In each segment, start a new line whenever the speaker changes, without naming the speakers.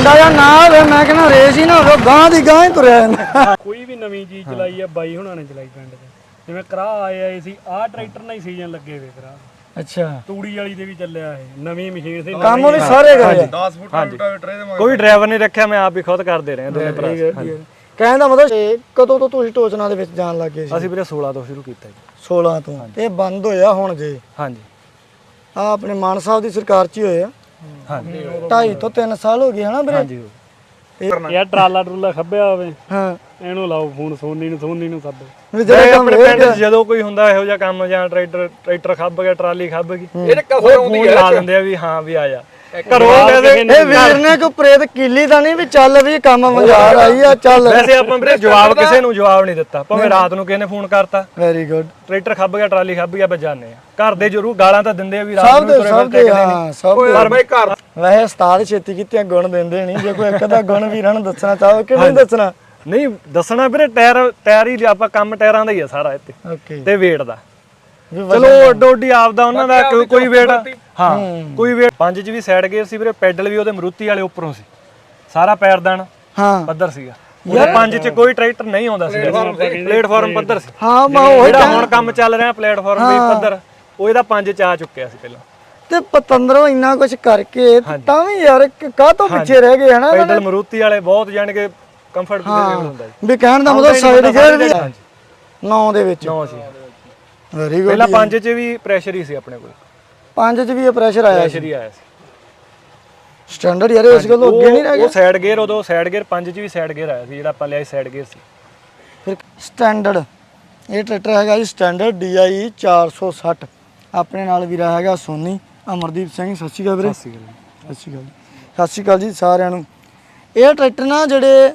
ਮੁੰਡਾ ਜਾਂ ਨਾ ਹੋਵੇ ਮੈਂ ਕਹਿੰਦਾ ਰੇਸ ਹੀ ਨਾ ਹੋਵੇ ਗਾਂ ਦੀ ਗਾਂ ਹੀ ਤੁਰਿਆ ਜਾਂਦਾ।
ਕੋਈ ਵੀ ਨਵੀਂ ਚੀਜ਼ ਚਲਾਈ ਆ ਬਾਈ ਹੁਣਾਂ ਨੇ ਚਲਾਈ ਪਿੰਡ 'ਚ ਜਿਵੇਂ ਕਰਾ ਆਏ ਸੀ ਆਹ ਟਰੈਕਟਰ ਨਾਲ ਹੀ ਸੀਜ਼ਨ ਲੱਗੇ ਵੇ ਕਰਾ
ਅੱਛਾ
ਤੂੜੀ ਵਾਲੀ ਦੇ ਵੀ ਚੱਲਿਆ ਇਹ ਨਵੀਂ ਮਸ਼ੀਨ ਸੀ
ਕੰਮ ਵੀ ਸਾਰੇ ਕਰੇ
10 ਫੁੱਟ ਰੂਟਾਵੇਟਰ ਇਹਦੇ ਮਗਰ
ਕੋਈ ਡਰਾਈਵਰ ਨਹੀਂ ਰੱਖਿਆ ਮੈਂ ਆਪ ਹੀ ਖੁਦ ਕਰਦੇ ਰਹੇ ਦੋਨੇ ਭਰਾ।
ਕਹਿਣ ਦਾ ਮਤਲਬ ਕਦੋਂ ਤੋਂ ਤੁਸੀਂ ਟੋਚਨਾ ਦੇ ਵਿੱਚ ਜਾਣ ਲੱਗੇ ਸੀ?
ਅਸੀਂ ਵੀਰੇ 16 ਤੋਂ ਸ਼ੁਰੂ ਕੀਤਾ ਜੀ।
16 ਤੋਂ ਇਹ ਬੰਦ ਹੋਇਆ ਹੁਣ ਜੇ
ਹਾਂਜੀ
ਆ ਆਪਣੇ ਮਾਨ ਸਾਹਿਬ ਦੀ ਸਰਕਾਰ 'ਚ ਹੀ ਹੋਏ ਆ।
ਹਾਂਜੀ
2.5 ਤੋਂ 3 ਸਾਲ ਹੋ ਗਏ ਹਨਾ ਵੀਰੇ?
ਹਾਂਜੀ
ਯਾਰ ਟਰਾਲਾ ਟਰੂਲਾ ਖੱਬਿਆ ਹੋਵੇ
ਹਾਂ
ਇਹਨੂੰ ਲਾਓ ਫੋਨ ਸੋਨੀ ਨੂੰ ਸੱਦ
ਵੀ ਜਿਹੜੇ ਕੰਮ
ਆਪਣੇ ਪਿੰਡ 'ਚ ਜਦੋਂ ਕੋਈ ਹੁੰਦਾ ਇਹੋ ਜਿਹਾ ਕੰਮ ਜਾਂ ਟਰੈਕਟਰ ਖੱਬ ਗਿਆ ਟਰਾਲੀ ਖੱਬ ਗਈ
ਇਹਦੇ ਕਸਰ
ਉਹ ਫੋਨ ਲਾ ਦਿੰਦੇ ਆ ਵੀ ਹਾਂ ਵੀ ਆ ਜਾ ਘਰੋਂ
ਇਹ ਵੀਰ ਨੇ ਕੋਈ ਪ੍ਰੇਤ ਕੀਲੀ ਤਾਂ ਨਹੀਂ ਵੀ ਚੱਲ ਵੀ ਕੰਮ ਮਜ਼ਾਰ ਆਈ ਆ ਚੱਲ।
ਵੈਸੇ ਆਪਾਂ ਵੀਰੇ ਜਵਾਬ ਕਿਸੇ ਨੂੰ ਜਵਾਬ ਨਹੀਂ ਦਿੱਤਾ ਭਾਵੇਂ ਰਾਤ ਨੂੰ ਕਿਸੇ ਨੇ ਫੋਨ ਕਰਤਾ
ਵੈਰੀ ਗੁੱਡ।
ਟਰੈਕਟਰ ਖੱਬ ਗਿਆ ਟਰਾਲੀ ਖੱਬ ਗਿਆ ਬਜਾਨੇ ਆ ਘਰ ਦੇ ਜ਼ਰੂਰ ਗਾਲਾਂ ਤਾਂ ਦਿੰਦੇ ਆ ਵੀ ਰਾਤ
ਸਭ
ਨੂੰ
ਦੇ
ਤੁਰੇ
ਸਭ
ਫਿਰਦੇ
ਦੇ
ਕਿਤੇ
ਹਾਂ ਸਭ ਦੇ।
ਪਰ ਬਈ ਘਰ
ਵੈਸੇ ਉਸਤਾਦ ਛੇਤੀ ਕੀਤੀਆਂ ਗੁਣ ਦਿੰਦੇ ਨਹੀਂ ਜੇ ਕੋਈ ਇੱਕ ਦਾ ਗੁਣ ਵੀਰਾਂ ਨੂੰ ਦੱਸਣਾ ਚਾਹੋ ਕਿ ਨਹੀਂ ਦੱਸਣਾ?
ਨਹੀਂ ਦੱਸਣਾ ਵੀਰੇ ਟਾਇਰ ਹੀ ਆਪਾਂ ਕੰਮ ਟਾਇਰਾਂ ਦਾ ਹੀ ਆ ਸਾਰਾ ਇੱਥੇ
ਓਕੇ
ਤੇ weight ਦਾ
ਵੀ
ਚਲੋ ਅੱਡੋ ਅੱਡੀ ਆਪਦਾ ਉਹਨਾਂ ਦਾ ਕੋਈ weight ਹਾਂ ਕੋਈ weight 5 ਚ ਵੀ ਸਾਈਡ ਗੇਅਰ ਸੀ ਵੀਰੇ ਪੈਡਲ ਵੀ ਉਹਦੇ ਮਰੂਤੀ ਵਾਲੇ ਉੱਪਰੋਂ ਸੀ ਸਾਰਾ ਪੈਰਦਾਨ
ਹਾਂ
ਪੱਧਰ ਸੀਗਾ ਉਹਦੇ 5 ਚ ਕੋਈ ਟਰੈਕਟਰ ਨਹੀਂ ਆਉਂਦਾ ਸੀ ਪਲੇਟਫਾਰਮ ਪੱਧਰ ਸੀ
ਹਾਂ ਮੈਂ ਉਹ
ਜਿਹੜਾ ਹੁਣ ਕੰਮ ਚੱਲ ਰਿਹਾ ਪਲੇਟਫਾਰਮ ਵੀ ਪੱਧਰ ਉਹ ਇਹਦਾ 5 ਚ ਆ ਚੁੱਕਿਆ ਸੀ ਪਹਿਲਾਂ
ਤੇ ਪਤੰਦਰੋਂ ਇੰਨਾ ਕੁਝ ਕਰਕੇ ਤਾਂ ਵੀ ਯਾਰ ਕਾਹ ਤੋਂ ਪਿੱਛੇ ਰਹਿ ਗਏ ਹਨਾ?
ਪੈਡਲ ਮਰੂਤੀ ਵਾਲੇ ਬਹੁਤ ਜਾਣ ਕੇ ਕੰਫਰਟੇਬਲ ਹੁੰਦਾ ਜੀ
ਵੀ ਕਹਿਣ ਦਾ ਮਤਲਬ ਸਾਈਡ ਗੇਅਰ ਵੀ 9 ਦੇ ਵਿੱਚ
9 ਸੀ
ਵੈਰੀ ਗੁੱਡ।
ਪਹਿਲਾਂ 5 ਚ ਵੀ ਪ੍ਰੈਸ਼ਰ ਹੀ ਸੀ ਆਪਣੇ ਕੋਲ
5 ਚ ਵੀ ਇਹ ਪ੍ਰੈਸ਼ਰ ਆਇਆ
ਪ੍ਰੈਸ਼ਰ ਹੀ ਆਇਆ ਸੀ
ਸਟੈਂਡਰਡ ਯਾਰ ਇਸ ਗੱਲੋਂ ਅੱਗੇ ਨਹੀਂ ਰਹਿ
ਉਹ ਸਾਈਡ ਗੇਅਰ ਉਦੋਂ ਸਾਈਡ ਗੇਅਰ 5 ਚ ਵੀ ਸਾਈਡ ਗੇਅਰ ਆਇਆ ਸੀ ਜਿਹੜਾ ਆਪਾਂ ਲਿਆ ਸਾਈਡ ਗੇਅਰ ਸੀ
ਫਿਰ ਸਟੈਂਡਰਡ ਇਹ ਟਰੈਕਟਰ ਹੈਗਾ ਜੀ ਸਟੈਂਡਰਡ DI 460 ਆਪਣੇ ਨਾਲ ਵੀਰਾ ਹੈਗਾ ਸੋਨੀ ਅਮਰਦੀਪ ਸਿੰਘ। ਸਤਿ ਸ਼੍ਰੀ ਅਕਾਲ ਵੀਰੇ।
ਸਤਿ ਸ਼੍ਰੀ ਅਕਾਲ
ਸਤਿ ਸ਼੍ਰੀ ਅਕਾਲ ਸਤਿ ਸ਼੍ਰੀ ਅਕਾਲ ਜੀ ਸਾਰਿਆਂ ਨੂੰ। ਇਹ ਟਰੈਕਟਰ ਨਾ ਜਿਹੜੇ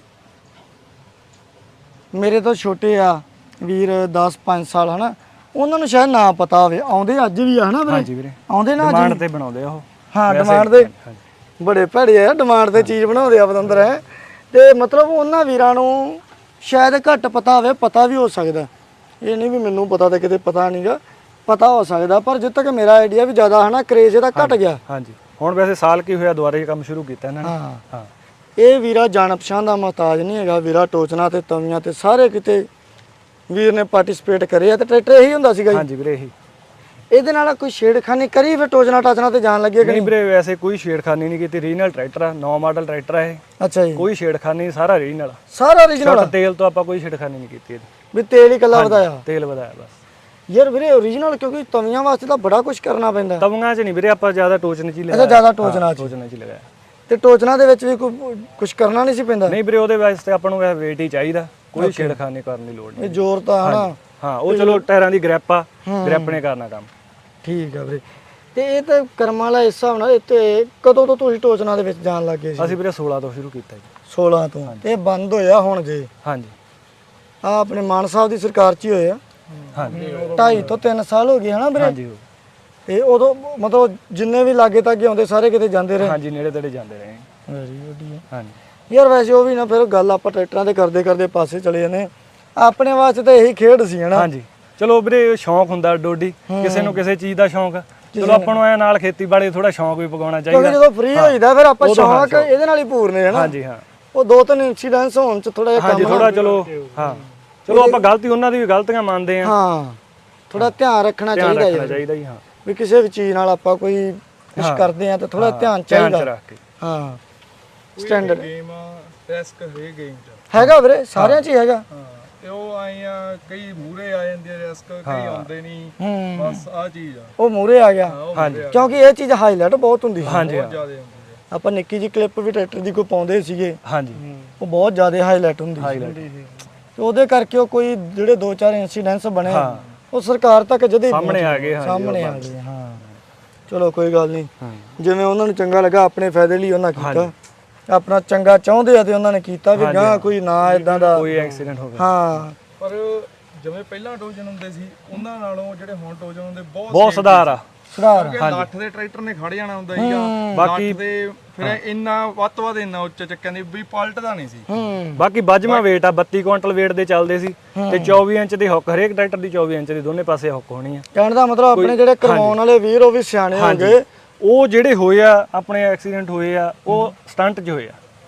ਮੇਰੇ ਤੋਂ ਛੋਟੇ ਆ ਵੀਰ 10-5 ਸਾਲ ਹਨਾ ਉਹਨਾਂ ਨੂੰ ਸ਼ਾਇਦ ਨਾ ਪਤਾ ਹੋਵੇ ਆਉਂਦੇ ਅੱਜ ਵੀ ਆ ਹਨਾ ਵੀਰੇ?
ਹਾਂਜੀ ਵੀਰੇ
ਆਉਂਦੇ ਨਾ
ਡਿਮਾਂਡ ਤੇ ਬਣਾਉਂਦੇ ਆ ਉਹ
ਹਾਂ ਡਿਮਾਂਡ ਦੇ ਬੜੇ ਭੜੇ ਆ ਡਿਮਾਂਡ ਤੇ ਚੀਜ਼ ਬਣਾਉਂਦੇ ਆ ਪਤੰਦਰ ਹੈ ਤੇ ਮਤਲਬ ਉਹਨਾਂ ਵੀਰਾਂ ਨੂੰ ਸ਼ਾਇਦ ਘੱਟ ਪਤਾ ਹੋਵੇ ਪਤਾ ਵੀ ਹੋ ਸਕਦਾ ਇਹ ਨਹੀਂ ਵੀ ਮੈਨੂੰ ਪਤਾ ਤੇ ਕਿਤੇ ਪਤਾ ਨਹੀਂਗਾ ਪਤਾ ਹੋ ਸਕਦਾ ਪਰ ਜਿੱਦ ਤੱਕ ਮੇਰਾ ਆਈਡੀਆ ਵੀ ਜ਼ਿਆਦਾ ਹਨਾ ਕਰੇਜ਼ ਇਹਦਾ ਘਟ ਗਿਆ।
ਹਾਂਜੀ ਹੁਣ ਵੈਸੇ ਸਾਲ ਕੀ ਹੋਇਆ ਦੁਬਾਰੇ ਕੰਮ ਸ਼ੁਰੂ ਕੀਤਾ ਇਹਨਾਂ ਨੇ।
ਹਾਂ
ਹਾਂ
ਇਹ ਵੀਰਾ ਜਾਣ ਪਛਾਣ ਦਾ ਮੁਹਤਾਜ ਨਹੀਂ ਹੈਗਾ ਵੀਰਾ ਟੋਚਨਾ ਤੇ ਤਵੀਆਂ ਤੇ ਸਾਰੇ ਕਿਤੇ ਵੀਰ ਨੇ ਪਾਰਟਿਸਿਪੇਟ ਕਰੇ ਆ ਤੇ ਟਰੈਕਟਰ ਇਹੀ ਹੁੰਦਾ ਸੀਗਾ ਜੀ।
ਹਾਂਜੀ ਵੀਰੇ ਇਹੀ
ਇਹਦੇ ਨਾਲ ਕੋਈ ਛੇੜਖਾਨੀ ਕਰੀ ਫਿਰ ਟੋਚਨਾ ਟਾਚਨਾ ਤੇ ਜਾਣ ਲੱਗੇ ਕਿ
ਨਹੀਂ ਵੀਰੇ ਵੈਸੇ ਕੋਈ ਛੇੜਖਾਨੀ ਨਹੀਂ ਕੀਤੀ ਰੀਜਨਲ ਟਰੈਕਟਰ ਆ 9 ਮਾਡਲ ਟਰੈਕਟਰ ਆ ਇਹ
ਅੱਛਾ ਜੀ
ਕੋਈ ਛੇੜਖਾਨੀ ਸਾਰਾ ਰੀਜਨਲ
ਸਾਰਾ origignal
ਤੇਲ ਤੋਂ ਆਪਾਂ ਕੋਈ ਛੇੜਖਾਨੀ ਨਹੀਂ ਕੀਤੀ ਇਹਦੀ
ਵੀ ਤੇਲ ਹੀ ਕੱਲਾ ਵਧਾਇਆ
ਤੇਲ ਵਧਾਇਆ ਬਸ
ਯਾਰ ਵੀਰੇ origignal ਕਿਉਂਕਿ ਤਵੀਆਂ ਵਾਸਤੇ ਤਾਂ ਬੜਾ ਕੁਝ ਕਰਨਾ ਪੈਂਦਾ।
ਤਵੀਆਂ 'ਚ ਨਹੀਂ ਵੀਰੇ ਆਪਾਂ ਜ਼ਿਆਦਾ ਟੋਚਨ 'ਚ ਹੀ
ਅੱਛਾ
ਲਗਾਇਆ
ਜ਼ਿਆਦਾ ਟੋਚਨਾ ਚ
ਟੋਚਨ 'ਚ ਹੀ ਲਗਾਇਆ
ਤੇ ਟੋਚਨਾ ਦੇ ਵਿੱਚ ਵੀ ਕੋਈ ਕੁਝ ਕਰਨਾ ਨਹੀਂ ਸੀ ਪੈਂਦਾ?
ਨਹੀਂ ਵੀਰੇ ਉਹਦੇ ਵਾਸਤੇ ਆਪਾਂ ਨੂੰ ਵੇਟ ਹੀ ਚਾਹੀਦਾ ਕੋਈ ਛੇੜਖਾਨੀ ਕਰਨ ਦੀ ਲੋੜ
ਇਹ
ਨਹੀਂ।
ਜ਼ੋਰ ਤਾਂ ਹਨਾ
ਹਾਂ ਉਹ ਚਲੋ ਟਾਇਰਾਂ ਦੀ ਗ੍ਰਿਪ ਆ ਗ੍ਰਿਪ ਨੇ ਕਰਨਾ ਕੰਮ।
ਠੀਕ ਆ ਵੀਰੇ ਤੇ ਇਹ ਤਾਂ ਕਰਮਾਂ ਵਾਲਾ ਇਸ ਹਿਸਾਬ ਨਾਲ ਇੱਥੇ ਕਦੋਂ ਤੋਂ ਤੁਸੀਂ ਟੋਚਨਾ ਦੇ ਵਿੱਚ ਜਾਣ ਲੱਗੇ ਸੀ?
ਅਸੀਂ ਵੀਰੇ 16 ਤੋਂ ਸ਼ੁਰੂ ਕੀਤਾ ਜੀ।
16 ਤੋਂ ਤੇ ਇਹ ਬੰਦ ਹੋਇਆ ਹੁਣ ਜੇ
ਹਾਂਜੀ
ਆ ਆਪਣੇ ਮਾਨ ਸਾਹਿਬ ਦੀ ਸਰਕਾਰ 'ਚ ਹੀ ਹੋਏ ਆ।
ਹਾਂਜੀ
2.5 ਤੋਂ 3 ਸਾਲ ਹੋ ਗਏ ਹਨਾ ਵੀਰੇ?
ਹਾਂਜੀ
ਤੇ ਉਦੋਂ ਮਤਲਬ ਜਿੰਨੇ ਵੀ ਲਾਗੇ ਤੱਕ ਆਉਂਦੇ ਸਾਰੇ ਕਿਤੇ ਜਾਂਦੇ ਰਹੇ?
ਹਾਂਜੀ ਨੇੜੇ ਤੇੜੇ ਜਾਂਦੇ ਰਹੇ।
ਵੈਰੀ ਗੁੱਡ
ਹਾਂਜੀ
ਯਾਰ ਵੈਸੇ ਉਹ ਵੀ ਨਾ ਫਿਰ ਗੱਲ ਆਪਾਂ ਟਰੈਕਟਰਾਂ ਦੇ ਕਰਦੇ ਕਰਦੇ ਪਾਸੇ ਚਲੇ ਜਾਂਦੇ ਹਾਂ। ਆਪਣੇ ਵਾਸਤੇ ਤਾਂ ਇਹੀ ਖੇਡ ਸੀ ਹਨਾ?
ਹਾਂਜੀ ਚਲੋ ਵੀਰੇ ਸ਼ੌਂਕ ਹੁੰਦਾ ਡੋਡੀ ਕਿਸੇ ਨੂੰ ਕਿਸੇ ਚੀਜ਼ ਦਾ ਸ਼ੌਂਕ ਚਲੋ ਆਪਾਂ ਨੂੰ ਐ ਨਾਲ ਖੇਤੀਬਾੜੀ ਥੋੜਾ ਸ਼ੌਂਕ ਵੀ ਪਗਾਉਣਾ ਚਾਹੀਦਾ
ਕਿਉਂਕਿ ਜਦੋਂ ਫ੍ਰੀ ਹੋਈਦਾ ਫਿਰ ਆਪਾਂ ਸ਼ੌਂਕ ਇਹਦੇ ਨਾਲ ਹੀ ਪੂਰਨੇ ਹਨਾ?
ਹਾਂਜੀ ਹਾਂ
ਉਹ 2-3 ਇਨਸੀਡੈਂਟਸ ਹੋਣ ਚ ਥੋੜਾ ਜਿਹਾ
ਹਾਂਜੀ ਥੋੜਾ ਚਲੋ ਹਾਂ ਚਲੋ ਆਪਾਂ ਗਲਤੀ ਉਹਨਾਂ ਦੀ ਵੀ ਗਲਤੀਆਂ ਮੰਨਦੇ ਆ
ਹਾਂ ਥੋੜਾ ਧਿਆਨ ਰੱਖਣਾ ਚਾਹੀਦਾ
ਰੱਖਣਾ
ਯਾਰ
ਚਾਹੀਦਾ ਜੀ ਹਾਂ
ਵੀ ਕਿਸੇ ਵੀ ਚੀਜ਼ ਨਾਲ ਆਪਾਂ ਕੋਈ ਕੁਝ ਕਰਦੇ ਆ ਤਾਂ ਥੋੜਾ ਧਿਆਨ ਚਾਹੀਦਾ
ਰੱਖ ਕੇ
ਹਾਂ ਸਟੈਂਡਰਡ
ਗੇਮ ਰਿਸਕ ਹੈ ਗੇਮ ਚ
ਹੈਗਾ ਵੀਰੇ ਸਾਰਿਆਂ 'ਚ ਹੀ ਹੈਗਾ।
ਹਾਂ ਤੇ ਉਹ ਆਏ ਆ ਕਈ ਮੂਰੇ ਆ ਜਾਂਦੇ ਆ ਰਿਸਕ ਕਈ ਆਉਂਦੇ ਨਹੀਂ ਬਸ ਆ ਚੀਜ਼ ਆ
ਉਹ ਮੂਰੇ ਆ ਗਿਆ
ਹਾਂਜੀ
ਕਿਉਂਕਿ ਇਹ ਚੀਜ਼ ਹਾਈਲਾਈਟ ਬਹੁਤ ਹੁੰਦੀ ਸੀ।
ਹਾਂਜੀ
ਜ਼ਿਆਦਾ ਹੁੰਦੀ ਆ
ਆਪਾਂ ਨਿੱਕੀ ਜਿਹੀ ਕਲਿੱਪ ਵੀ ਟਰੈਕਟਰ ਦੀ ਕੋਈ ਪਾਉਂਦੇ ਸੀਗੇ
ਹਾਂਜੀ
ਉਹ ਬਹੁਤ ਜ਼ਿਆਦਾ ਹਾਈਲਾਈਟ ਹੁੰਦੀ ਸੀ ਤੇ ਉਹਦੇ ਕਰਕੇ ਉਹ ਕੋਈ ਜਿਹੜੇ 2-4 ਇਨਸੀਡੈਂਟਸ ਬਣੇ ਉਹ ਸਰਕਾਰ ਤੱਕ ਜਦੇ
ਸਾਹਮਣੇ ਆ ਗਏ
ਸਾਹਮਣੇ ਆ ਗਏ ਹਾਂ ਚਲੋ ਕੋਈ ਗੱਲ ਨਹੀਂ ਜਿਵੇਂ ਉਹਨਾਂ ਨੂੰ ਚੰਗਾ ਲੱਗਾ ਆਪਣੇ ਫਾਇਦੇ ਲਈ ਉਹਨਾਂ ਕੀਤਾ ਆਪਣਾ ਚੰਗਾ ਚਾਹੁੰਦੇ ਆ ਤੇ ਉਹਨਾਂ ਨੇ ਕੀਤਾ ਵੀ ਗਾਂ ਕੋਈ ਨਾ ਇਦਾਂ ਦਾ
ਕੋਈ ਐਕਸੀਡੈਂਟ ਹੋ ਗਿਆ
ਹਾਂ
ਪਰ ਜਿਵੇਂ ਪਹਿਲਾਂ ਟੋਜਨ ਹੁੰਦੇ ਸੀ ਉਹਨਾਂ ਨਾਲੋਂ ਜਿਹੜੇ ਹੁਣ ਟੋਜਨ ਹੁੰਦੇ
ਬਹੁਤ ਸੁਧਾਰ ਆ
ਸੁਧਾਰ
ਲੱਠ ਦੇ ਟਰੈਕਟਰ ਨੇ ਖੜ ਜਾਣਾ ਹੁੰਦਾ ਸੀਗਾ ਬਾਕੀ ਦੇ ਫਿਰ ਇੰਨਾ ਵੱਧ ਤੋਂ ਵੱਧ ਇੰਨਾ ਉੱਚਾ ਚੱਕਿਆ ਨਹੀਂ ਵੀ ਪਲਟਦਾ ਨਹੀਂ ਸੀ।
ਬਾਕੀ ਵੱਜਵਾ weight ਆ 32 ਕੁਇੰਟਲ weight ਦੇ ਚੱਲਦੇ ਸੀ ਤੇ 24 ਇੰਚ ਦੀ ਹੁੱਕ ਹਰੇਕ ਟਰੈਕਟਰ ਦੀ 24 ਇੰਚ ਦੀ ਦੋਨੇ ਪਾਸੇ ਹੁੱਕ ਹੋਣੀ ਆ।
ਕਹਿਣ ਦਾ ਮਤਲਬ ਆਪਣੇ ਜਿਹੜੇ ਕਰਵਾਉਣ ਵਾਲੇ ਵੀਰ ਉਹ ਵੀ ਸਿਆਣੇ ਹੋ ਗਏ।
ਉਹ ਜਿਹੜੇ ਹੋਏ ਆ ਆਪਣੇ ਐਕਸੀਡੈਂਟ ਹੋਏ ਆ ਉਹ ਸਟੰਟ 'ਚ ਹੋਏ ਆ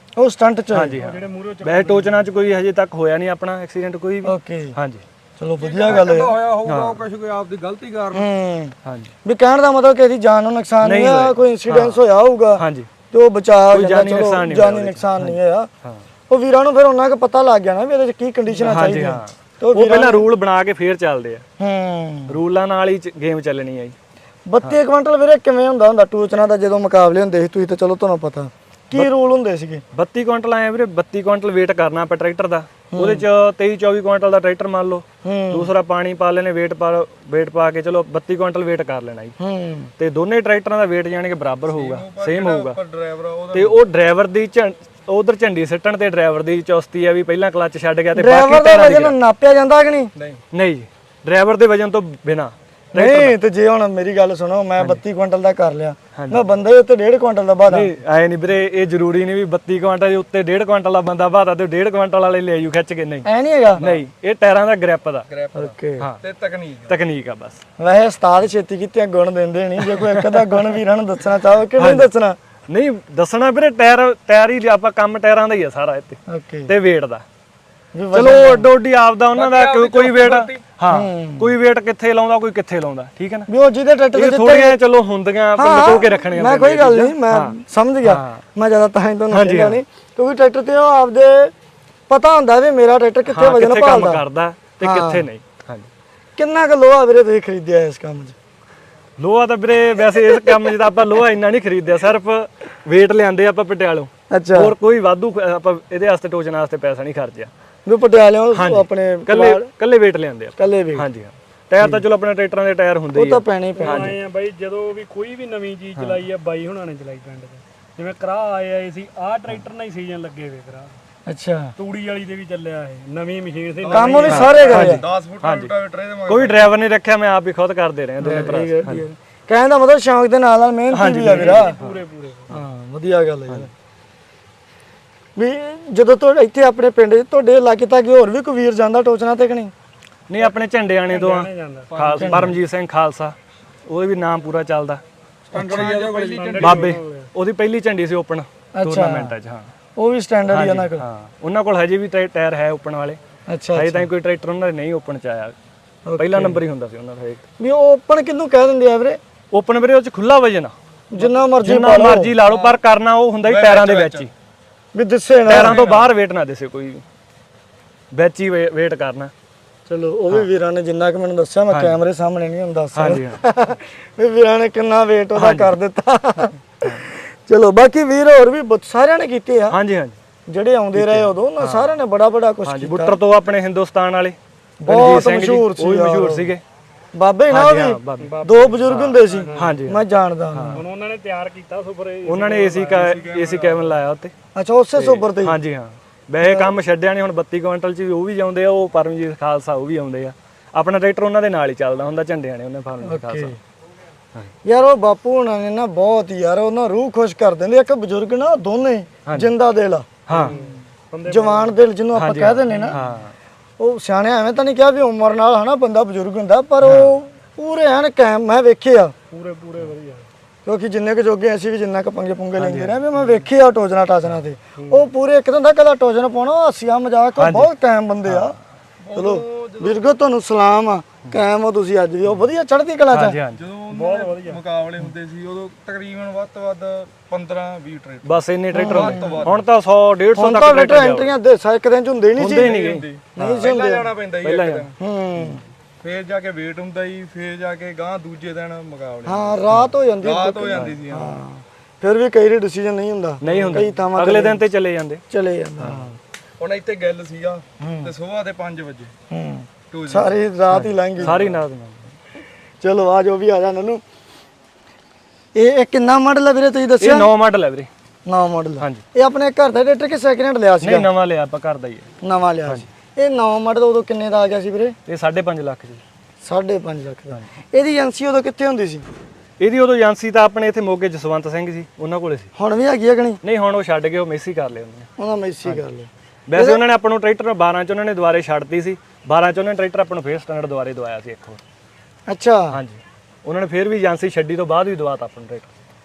ਉਹ ਸਟੰਟ ਚ
ਹਾਂਜੀ ਹਾਂ
ਜਿਹੜੇ ਮੂਹਰੇ
ਵੈਸੇ ਟੋਚਨਾ ਚ ਕੋਈ ਹਜੇ ਤੱਕ ਹੋਇਆ ਨਹੀਂ ਆਪਣਾ ਐਕਸੀਡੈਂਟ ਕੋਈ ਵੀ
ਓਕੇ
ਹਾਂਜੀ
ਚਲੋ ਵਧੀਆ ਗੱਲ ਹੈ
ਹੋਇਆ ਹੋਊਗਾ ਕੁਝ ਕੋਈ ਆਪਦੀ ਗਲਤੀ ਕਾਰਨ
ਹਾਂਜੀ
ਵੀ ਕਹਿਣ ਦਾ ਮਤਲਬ ਕਿ ਇਹਦੀ ਜਾਨ ਨੂੰ ਨੁਕਸਾਨ ਨਹੀਂ ਆ ਕੋਈ ਇਨਸੀਡੈਂਸ ਹੋਇਆ ਹੋਊਗਾ
ਹਾਂਜੀ
ਤੇ ਉਹ ਬਚਾ
ਕੋਈ ਜਾਨੀ
ਚਲੋ
ਨੁਕਸਾਨ ਨਹੀਂ
ਜਾਨੀ ਨੁਕਸਾਨ ਨਹੀਂ ਹੋਇਆ
ਹਾਂ
ਉਹ ਵੀਰਾਂ ਨੂੰ ਫਿਰ ਉਹਨਾਂ ਕੁ ਪਤਾ ਲੱਗ ਗਿਆ ਨਾ ਵੀ ਇਹਦੇ ਚ ਕੀ ਕੰਡੀਸ਼ਨਾਂ
ਹਾਂਜੀ
ਚਾਹੀਦੀਆਂ
ਹਾਂ
ਤੇ
ਉਹ ਪਹਿਲਾਂ ਰੂਲ ਬਣਾ ਕੇ ਫੇਰ ਚੱਲਦੇ ਆ ਰੂਲਾਂ ਨਾਲ ਹੀ ਗੇਮ ਚੱਲਣੀ ਆ ਜੀ
32 ਕੁਇੰਟਲ ਵੀਰੇ ਕਿਵੇਂ ਹੁੰਦਾ ਟੂਚਨਾ ਦਾ ਜਦੋਂ ਮੁਕਾਬਲੇ ਹੁੰਦੇ ਸੀ ਤੁਸੀਂ ਤਾਂ ਚਲੋ ਤੁਹਾਨੂੰ ਪਤਾ ਕੀ ਰੂਲ ਹੁੰਦੇ ਸੀਗੇ
32 ਕੁਇੰਟਲ ਆਏ ਵੀਰੇ 32 ਕੁਇੰਟਲ weight ਕਰਨਾ ਆਪਾਂ ਟਰੈਕਟਰ ਦਾ ਉਹਦੇ ਚ 23-24 ਕੁਇੰਟਲ ਦਾ ਟਰੈਕਟਰ ਮੰਨ ਲਓ ਦੂਸਰਾ ਪਾਣੀ ਪਾ ਲੈਣੇ weight ਪਾ ਕੇ ਚਲੋ 32 ਕੁਇੰਟਲ weight ਕਰ ਲੈਣਾ ਜੀ ਤੇ ਦੋਨੇ ਟਰੈਕਟਰਾਂ ਦਾ weight ਜਾਣੀ ਕਿ ਬਰਾਬਰ ਹੋਊਗਾ ਸੇਮ ਹੋਊਗਾ
ਡਰਾਈਵਰ ਉਹਦਾ
ਤੇ ਉਹ ਡਰਾਈਵਰ ਦੀ ਉਧਰ ਝੰਡੀ ਸਿੱਟਣ ਤੇ ਡਰਾਈਵਰ ਦੀ ਚੁਸਤੀ ਆ ਵੀ ਪਹਿਲਾਂ ਕਲੱਚ ਛੱਡ ਗਿਆ ਤੇ
ਡਰਾਈਵਰ
ਬਾਕੀ
ਦਾ
ਟਾਇਰਾਂ ਦੀ
ਵਜਨ ਨਾਪਿਆ ਜਾਂਦਾ ਕਿ ਨਹੀਂ
ਨਹੀਂ ਜੀ ਡਰਾਈਵਰ ਦੇ ਵਜਨ ਤੋਂ ਬਿਨਾ
ਨਹੀਂ ਤੇ ਜੇ ਹੁਣ ਮੇਰੀ ਗੱਲ ਸੁਣੋ ਮੈਂ 32 ਕੁਇੰਟਲ ਦਾ ਕਰ ਲਿਆ ਮੈਂ ਬੰਦੇ ਉੱਤੇ 1.5 ਕੁਇੰਟਲ ਦਾ ਬਾਦਾ
ਨਹੀਂ ਆਏ ਨਹੀਂ ਵੀਰੇ ਇਹ ਜ਼ਰੂਰੀ ਨਹੀਂ ਵੀ 32 ਕੁਇੰਟਲ ਦੇ ਉੱਤੇ 1.5 ਕੁਇੰਟਲ ਦਾ ਬੰਦਾ ਬਾਦਾ ਤੇ 1.5 ਕੁਇੰਟਲ ਵਾਲੇ ਲੈ ਜੂ ਖਿੱਚ ਕੇ ਨਹੀਂ
ਐ ਨਹੀਂ ਹੈਗਾ
ਨਹੀਂ ਇਹ ਟਾਇਰਾਂ ਦਾ ਗ੍ਰਿਪ ਦਾ
ਓਕੇ
ਹਾਂ
ਤੇ
ਤਕਨੀਕ ਆ ਬਸ
ਵੈਸੇ ਉਸਤਾਦ ਛੇਤੀ ਕੀਤੀਆਂ ਗੁਣ ਦਿੰਦੇ ਨਹੀਂ ਜੇ ਕੋਈ ਇੱਕ ਦਾ ਗੁਣ ਵੀਰਾਂ ਨੂੰ ਦੱਸਣਾ ਚਾਹੋ ਕਿ ਨਹੀਂ ਦੱਸਣਾ
ਨਹੀਂ ਦੱਸਣਾ ਵੀਰੇ ਟਾਇਰ ਹੀ ਆਪਾਂ ਕੰਮ ਟਾਇਰਾਂ ਦਾ ਹੀ ਆ ਸਾਰਾ ਇੱਥੇ
ਓਕੇ
ਤੇ weight ਦਾ
ਵੀ
ਚਲੋ ਅੱਡੋ ਅੱਡੀ ਆਪਦਾ ਉਹਨਾਂ ਦਾ ਕੋਈ weight ਹਾਂ ਕੋਈ weight ਕਿੱਥੇ ਲਾਉਂਦਾ ਕੋਈ ਕਿੱਥੇ ਲਾਉਂਦਾ ਠੀਕ ਹੈ ਨਾ
ਵੀ ਉਹ ਜਿਹਦੇ ਟਰੈਕਟਰ
ਇਹ ਥੋੜੀਆਂ ਚਲੋ ਹੁੰਦੀਆਂ ਆਪਾਂ ਲੁਕੋ ਕੇ ਰੱਖਣੀਆਂ
ਮੈਂ ਕੋਈ ਗੱਲ ਨਹੀਂ ਮੈਂ ਸਮਝ ਗਿਆ ਮੈਂ ਜ਼ਿਆਦਾ ਤਾਂ ਹੀ ਤੁਹਾਨੂੰ ਕਹਿੰਦਾ ਨਹੀਂ ਕਿਉਂਕਿ ਟਰੈਕਟਰ ਤੇ ਉਹ ਆਪਦੇ ਪਤਾ ਹੁੰਦਾ ਵੀ ਮੇਰਾ ਟਰੈਕਟਰ ਕਿੱਥੇ ਵਜਨ
ਕੰਮ
ਭਾਲਦਾ
ਕਰਦਾ ਤੇ ਕਿੱਥੇ ਨਹੀਂ ਹਾਂਜੀ
ਕਿੰਨਾ ਕੁ ਲੋਹਾ ਵੀਰੇ ਤੁਸੀਂ ਖਰੀਦਿਆ ਇਸ ਕੰਮ 'ਚ
ਲੋਹਾ ਤਾਂ ਵੀਰੇ ਵੈਸੇ ਇਸ ਕੰਮ 'ਚ ਤਾਂ ਆਪਾਂ ਲੋਹਾ ਇੰਨਾ ਨਹੀਂ ਖਰੀਦਿਆ ਸਿਰਫ weight ਲਿਆਂਦੇ ਆਪਾਂ ਪਟਿਆਲੋਂ
ਅੱਛਾ
ਹੋਰ ਕੋਈ ਵਾਧੂ ਆਪਾਂ ਇਹਦੇ ਵਾਸਤੇ ਟੋਚਨ ਵਾਸਤੇ ਪੈਸਾ ਨਹੀਂ ਖਰਚਿਆ
ਵੀ ਪਟਿਆਲਿਓਂ ਆਪਣੇ
ਕੱਲੇ weight ਲਿਆਂਦੇ ਆ
ਕੱਲੇ ਵੀ
ਹਾਂਜੀ ਹਾਂ ਟਾਇਰ ਤਾਂ ਚਲੋ ਆਪਣੇ ਟਰੈਕਟਰਾਂ ਦੇ ਟਾਇਰ ਹੁੰਦੇ
ਉਹ
ਹੀ
ਤਾਂ ਪੈਣੇ ਹੀ ਪੈਣੇ
ਆਏ ਆ ਬਾਈ ਜਦੋਂ ਵੀ ਕੋਈ ਵੀ ਨਵੀਂ ਚੀਜ਼ ਚਲਾਈ ਆ ਬਾਈ ਹੁਣਾਂ ਨੇ ਚਲਾਈ ਪਿੰਡ 'ਚ ਜਿਵੇਂ ਕਰਾਹ ਆਏ ਸੀ ਆਹ ਟਰੈਕਟਰ ਨਾਲ ਹੀ ਸੀਜ਼ਨ ਲੱਗੇ ਵੇ ਕਰਾਹ
ਅੱਛਾ
ਤੂੜੀ ਵਾਲੀ ਦੇ ਵੀ ਚੱਲਿਆ ਇਹ ਨਵੀਂ ਮਸ਼ੀਨ ਸੀ
ਕੰਮ ਵੀ ਸਾਰੇ ਕਰੇ
10 ਫੁੱਟ ਦਾ ਰੋਟਾਵੇਟਰ ਇਹਦੇ ਮਗਰ
ਕੋਈ ਡਰਾਈਵਰ ਨਹੀਂ ਰੱਖਿਆ ਮੈਂ ਆਪ ਹੀ ਖੁਦ ਕਰਦੇ ਰਹੇ ਦੋਨੇ ਭਰਾ
ਕਹਿਣ ਦਾ ਮਤਲਬ ਸ਼ੌਂਕ ਦੇ ਨਾਲ ਨਾਲ ਮਿਹਨਤ ਵੀ ਆ ਵੀਰਾ
ਪੂਰੇ
ਹਾਂ ਵਧੀਆ ਗੱਲ ਹੈ ਵੀ ਜਦੋਂ ਤੁਹਾਡੇ ਇੱਥੇ ਆਪਣੇ ਪਿੰਡ 'ਚ ਤੁਹਾਡੇ ਇਲਾਕੇ ਤੱਕ ਹੋਰ ਵੀ ਕੋਈ ਵੀਰ ਜਾਂਦਾ ਟੋਚਨਾ ਤੇ ਕਿ ਨਹੀਂ
ਨਹੀਂ ਆਪਣੇ ਝੰਡਿਆਣੇ ਤੋਂ ਆ
ਜਾਂਦਾ
ਖਾਲਸਾ ਪਰਮਜੀਤ ਸਿੰਘ ਖਾਲਸਾ ਉਹਦੇ ਵੀ ਨਾਮ ਪੂਰਾ ਚੱਲਦਾ
ਸਟੈਂਡਰਡ
ਬਾਬੇ ਉਹਦੀ ਪਹਿਲੀ ਝੰਡੀ ਸੀ ਓਪਨ ਟੂਰਨਾਮੈਂਟਾਂ 'ਚ ਹਾਂ
ਉਹ ਵੀ ਸਟੈਂਡਰਡ ਹੀ ਆ ਨਾ ਕੋਲ
ਹਾਂ ਉਹਨਾਂ ਕੋਲ ਹਜੇ ਵੀ ਟਾਇਰ ਹੈ ਓਪਨ ਵਾਲੇ
ਅੱਛਾ
ਹਜੇ ਤਾਂ ਕੋਈ ਟਰੈਕਟਰ ਉਹਨਾਂ ਦੇ ਨਹੀਂ ਓਪਨ ਚ ਆਇਆ ਪਹਿਲਾ ਨੰਬਰ ਹੀ ਹੁੰਦਾ ਸੀ ਉਹਨਾਂ ਦਾ ਹਜੇ
ਵੀ ਉਹ ਓਪਨ ਕਿਹਨੂੰ ਕਹਿ ਦਿੰਦੇ ਆ ਵੀਰੇ
ਓਪਨ ਵੀਰੇ ਉਹ ਚ ਖੁੱਲਾ ਵਜਨ ਆ
ਜਿੰਨਾ ਮਰਜ਼ੀ
ਜਿੰਨਾ ਮਰਜ਼ੀ ਲਾ ਲਓ ਪਰ ਕਰਨਾ ਉਹ ਹੁੰਦਾ ਹੀ ਟਾਇਰਾਂ ਦੇ ਵਿੱਚ ਹੀ
ਵੀ ਦਿਸੇ ਨਾ
ਟਾਇਰਾਂ ਤੋਂ ਬਾਹਰ weight ਨਾ ਦਿਸੇ ਕੋਈ ਵੀ ਵਿੱਚ ਹੀ weight ਕਰਨਾ
ਚਲੋ ਉਹ ਵੀ ਵੀਰਾਂ ਨੇ ਜਿੰਨਾ ਕਿ ਮੈਨੂੰ ਦੱਸਿਆ ਮੈਂ ਕੈਮਰੇ ਸਾਹਮਣੇ ਨਹੀਂ ਹੁੰਦਾ
ਹਾਂਜੀ
ਵੀ ਵੀਰਾਂ ਨੇ ਕਿੰਨਾ weight ਉਹਦਾ ਕਰ ਦਿੱਤਾ ਚਲੋ ਬਾਕੀ ਵੀਰ ਹੋਰ ਵੀ ਸਾਰਿਆਂ ਨੇ ਕੀਤੇ ਆ
ਹਾਂਜੀ ਹਾਂਜੀ
ਜਿਹੜੇ ਆਉਂਦੇ ਰਹੇ ਉਦੋਂ ਉਹਨਾਂ ਸਾਰਿਆਂ ਨੇ ਬੜਾ ਕੁਝ
ਹਾਂਜੀ
ਕੀਤਾ
ਬੁੱਟਰ ਤੋਂ ਆਪਣੇ ਹਿੰਦੁਸਤਾਨ ਵਾਲੇ
ਬਹੁਤ
ਰਣਜੀਤ ਸਿੰਘ ਜੀ,
ਮਸ਼ਹੂਰ ਸੀ
ਉਹ ਵੀ ਮਸ਼ਹੂਰ ਸੀਗੇ
ਬਾਬੇ ਨਾ ਉਹ ਵੀ ਦੋ ਬਜ਼ੁਰਗ ਹੁੰਦੇ ਸੀ
ਹਾਂਜੀ
ਮੈਂ ਜਾਣਦਾ ਉਹਨਾਂ
ਹੁਣ ਉਹਨਾਂ ਨੇ ਤਿਆਰ ਕੀਤਾ ਸੁਪਰ
ਉਹਨਾਂ ਨੇ ਏਸੀ ਕੈਬਨ ਲਾਇਆ ਉੱਤੇ
ਅੱਛਾ ਉਸੇ ਸੋਬਰ ਤੇ
ਹਾਂਜੀ ਹਾਂ ਵੈਸੇ ਕੰਮ ਛੱਡਿਆ ਨਹੀਂ ਹੁਣ 32 ਕੁਇੰਟਲ ਚ ਵੀ ਉਹ ਵੀ ਜਾਂਦੇ ਆ ਉਹ ਪਰਮਜੀਤ ਖਾਲਸਾ ਉਹ ਵੀ ਆਉਂਦੇ ਆ ਆਪਣਾ ਟਰੈਕਟਰ ਉਹਨਾਂ ਦੇ ਨਾਲ ਹੀ ਚੱਲਦਾ ਹੁੰਦਾ ਝੰਡਿਆਂ ਨੇ ਉਹਨੇ ਪਰਮਜੀਤ ਖਾਲਸਾ
ਯਾਰ ਉਹ ਬਾਪੂ ਹੁਣਾਂ ਨੇ ਨਾ ਬਹੁਤ ਯਾਰ ਉਹਨਾਂ ਰੂਹ ਖੁਸ਼ ਕਰ ਦਿੰਦੇ ਇੱਕ ਬਜ਼ੁਰਗ ਨਾ ਦੋਨੇ ਜਿੰਦਾ ਦਿਲ ਆ
ਹਾਂ
ਜਵਾਨ ਦਿਲ ਜਿਹਨੂੰ ਆਪਾਂ ਕਹਿ ਦਿੰਦੇ ਨਾ
ਹਾਂ
ਉਹ ਸਿਆਣੇ ਐਵੇਂ ਤਾਂ ਨਹੀਂ ਕਿਹਾ ਵੀ ਉਮਰ ਨਾਲ ਹਨਾ ਬੰਦਾ ਬਜ਼ੁਰਗ ਹੁੰਦਾ ਪਰ ਉਹ ਪੂਰੇ ਐਨ ਕਾਇਮ ਮੈਂ ਵੇਖਿਆ
ਪੂਰੇ ਵਧੀਆ
ਕਿਉਂਕਿ ਜਿੰਨੇ ਕੁ ਜੋਗੇ ਅਸੀਂ ਵੀ ਜਿੰਨਾ ਕੁ ਪੰਗੇ ਪੁੰਗੇ ਲੈਂਦੇ ਰਹੇ ਵੀ ਮੈਂ ਵੇਖਿਆ ਟੋਜਨਾ ਟਾਜਨਾ ਤੇ ਉਹ ਪੂਰੇ ਇੱਕ ਦਿਨ ਦਾ ਕਦਾ ਟੋਜਨਾ ਪਾਉਣਾ ਹਾਸਿਆ ਮਜ਼ਾਕ ਉਹ ਬਹੁਤ ਕਾਇਮ ਬੰਦੇ ਆ ਚਲੋ ਵੀਰਗੋ ਤੁਹਾਨੂੰ ਸਲਾਮ ਆ ਕਾਇਮ ਹੋ ਤੁਸੀਂ ਅੱਜ ਵੀ ਉਹ ਵਧੀਆ ਚੜ੍ਹਦੀ ਕਲਾ ਚ
ਹਾਂਜੀ ਹਾਂਜੀ
ਜਦੋਂ ਉਹਨਾਂ ਦੇ ਮੁਕਾਬਲੇ ਹੁੰਦੇ ਸੀ ਉਦੋਂ ਤਕਰੀਬਨ ਵੱਧ ਤੋਂ ਵੱਧ 15-20 ਟਰੈਕਟਰ
ਬਸ ਇੰਨੇ ਟਰੈਕਟਰ ਹੁੰਦੇ ਹੁਣ ਤਾਂ 100 150
ਹੁਣ
ਤੱਕ
ਤਾਂ ਟਰੈਕਟਰ ਐਂਟਰੀਆਂ ਦੇ ਇੱਕ ਦਿਨ ਚ ਹੁੰਦੇ ਨਹੀਂ ਸੀ
ਨਹੀਂ ਸੀ ਹੁੰਦੇ ਜਾਣਾ ਪੈਂਦਾ ਸੀ ਇੱਕ ਦਿਨ
ਹੂੰ
ਫੇਰ ਜਾ ਕੇ ਵੇਟ ਹੁੰਦਾ ਸੀ ਫੇਰ ਜਾ ਕੇ ਗਾਂ ਦੂਜੇ ਦਿਨ ਮੁਕਾਬਲੇ
ਹਾਂ ਰਾਤ ਹੋ ਜਾਂਦੀ
ਰਾਤ ਹੋ ਜਾਂਦੀ ਸੀ ਹਾਂ
ਫਿਰ ਵੀ ਕਈ ਵਾਰੀ ਡਿਸੀਜਨ ਨਹੀਂ ਹੁੰਦਾ
ਨਹੀਂ ਹੁੰਦਾ
ਕਈ ਥਾਵਾਂ
ਅਗਲੇ ਦਿਨ ਤੇ ਚਲੇ ਜਾਂਦੇ
ਚਲੇ ਜਾਂਦਾ
ਹੁਣ ਇੱਥੇ ਗੱਲ ਸੀਗਾ ਤੇ ਸਵੇਰ ਦੇ 5 ਵਜੇ
ਹੂੰ ਸਾਰੀ ਰਾਤ ਹੀ ਲੰਘ ਗਈ
ਸਾਰੀ ਨਾਲ
ਚਲੋ ਆ ਜੋ ਵੀ ਆ ਜਾ ਨਨੂ ਇਹ ਕਿੰਨਾ ਮਾਡਲ ਹੈ ਵੀਰੇ ਤੁਸੀਂ
ਇਹ
ਦੱਸਿਆ
9 ਮਾਡਲ ਹੈ ਵੀਰੇ
ਨਵਾਂ ਮਾਡਲ
ਹਾਂਜੀ
ਇਹ ਆਪਣੇ ਘਰ ਦਾ ਟਰੈਕਟਰ ਕਿ ਸੈਕਿੰਡ ਹੈਂਡ ਲਿਆ ਸੀਗਾ
ਨਹੀਂ ਨਵਾਂ ਲਿਆ ਆਪਾਂ ਘਰ ਦਾ ਹੀ ਹੈ
ਨਵਾਂ ਲਿਆ ਸੀ ਇਹ ਨਵਾਂ ਮਾਡਲ ਉਦੋਂ ਕਿੰਨੇ ਦਾ ਆ ਗਿਆ ਸੀ ਵੀਰੇ
ਇਹ 5.5 ਲੱਖ ਜੀ
5.5 ਲੱਖ ਦਾ ਇਹਦੀ ਏਜੰਸੀ ਉਦੋਂ ਕਿੱਥੇ ਹੁੰਦੀ ਸੀ
ਇਹਦੀ ਉਦੋਂ ਏਜੰਸੀ ਤਾਂ ਆਪਣੇ ਇੱਥੇ ਮੋਗੇ ਜਸਵੰਤ ਸਿੰਘ ਸੀ ਉਹਨਾਂ ਕੋਲੇ ਸੀ
ਹੁਣ ਵੀ ਹੈਗੀ ਆ ਕਿ ਨਹੀਂ
ਨਹੀਂ ਹੁਣ ਉਹ ਛੱਡ ਗਏ ਉਹ ਮੇਸੀ ਕਰ ਲਿਆ ਉਹਨੇ
ਉਹਨਾਂ ਮੈਸੀ ਕਰ ਲਿਆ
ਵੈਸੇ ਉਹਨਾਂ ਨੇ ਆਪਾਂ ਨੂੰ ਟਰੈਕਟਰ 12 ਚ ਉਹਨਾਂ ਨੇ ਦੁਬਾਰੇ ਛੱਡਤੀ ਸੀ 12 ਚ ਉਹਨਾਂ ਨੇ ਟਰੈਕਟਰ ਆਪਾਂ ਨੂੰ ਫੇਰ ਸਟੈਂਡਰਡ ਦੁਬਾਰੇ ਦਵਾਇਆ ਸੀ ਇੱਕ ਹੋਰ
ਅੱਛਾ
ਹਾਂਜੀ ਉਹਨਾਂ ਨੇ ਫੇਰ ਵੀ ਏਜੰਸੀ ਛੱਡੀ ਤੋਂ ਬਾਅਦ ਵੀ ਦਵਾਤਾ ਆਪਾਂ ਨੂੰ ਟਰੈਕਟਰ